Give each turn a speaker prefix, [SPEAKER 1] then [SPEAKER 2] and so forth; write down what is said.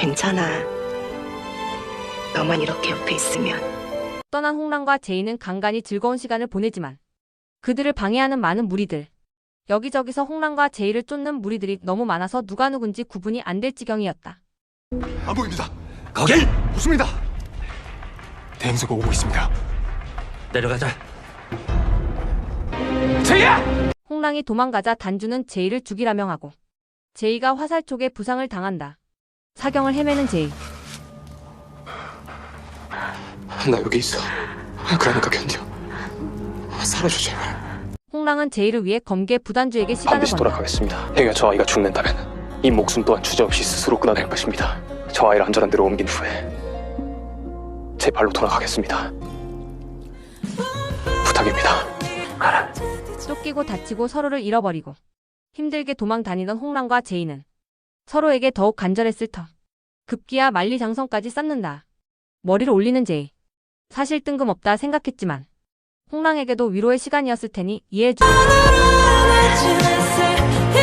[SPEAKER 1] 괜찮아. 너만 이렇게 옆에 있으면.
[SPEAKER 2] 떠난 홍랑과 제이는 간간히 즐거운 시간을 보내지만 그들을 방해하는 많은 무리들. 여기저기서 홍랑과 제이를 쫓는 무리들이 너무 많아서 누가 누군지 구분이 안 될 지경이었다.
[SPEAKER 3] 안 보입니다. 거길! 없습니다. 대행사가 오고 있습니다.
[SPEAKER 4] 내려가자.
[SPEAKER 3] 제이야!
[SPEAKER 2] 홍랑이 도망가자 단주는 제이를 죽이라 명하고 제이가 화살촉에 부상을 당한다. 사경을 헤매는 제이.
[SPEAKER 3] 나 여기 있어. 그러니까 견뎌. 살아줘 제발.
[SPEAKER 2] 홍랑은 제이를 위해 검계 부단주에게 시간을
[SPEAKER 5] 반드시
[SPEAKER 2] 건다.
[SPEAKER 5] 돌아가겠습니다. 행여 저 아이가 죽는다면 이 목숨 또한 주저없이 스스로 끊어낼 것입니다. 저 아이를 안전한 데로 옮긴 후에 제 발로 돌아가겠습니다. 부탁입니다.
[SPEAKER 2] 쫓기고 다치고 서로를 잃어버리고 힘들게 도망 다니던 홍랑과 제이는 서로에게 더욱 간절했을 터. 급기야 만리장성까지 쌓는다. 머리를 올리는 제이. 사실 뜬금없다 생각했지만 홍랑에게도 위로의 시간이었을 테니 이해해주고.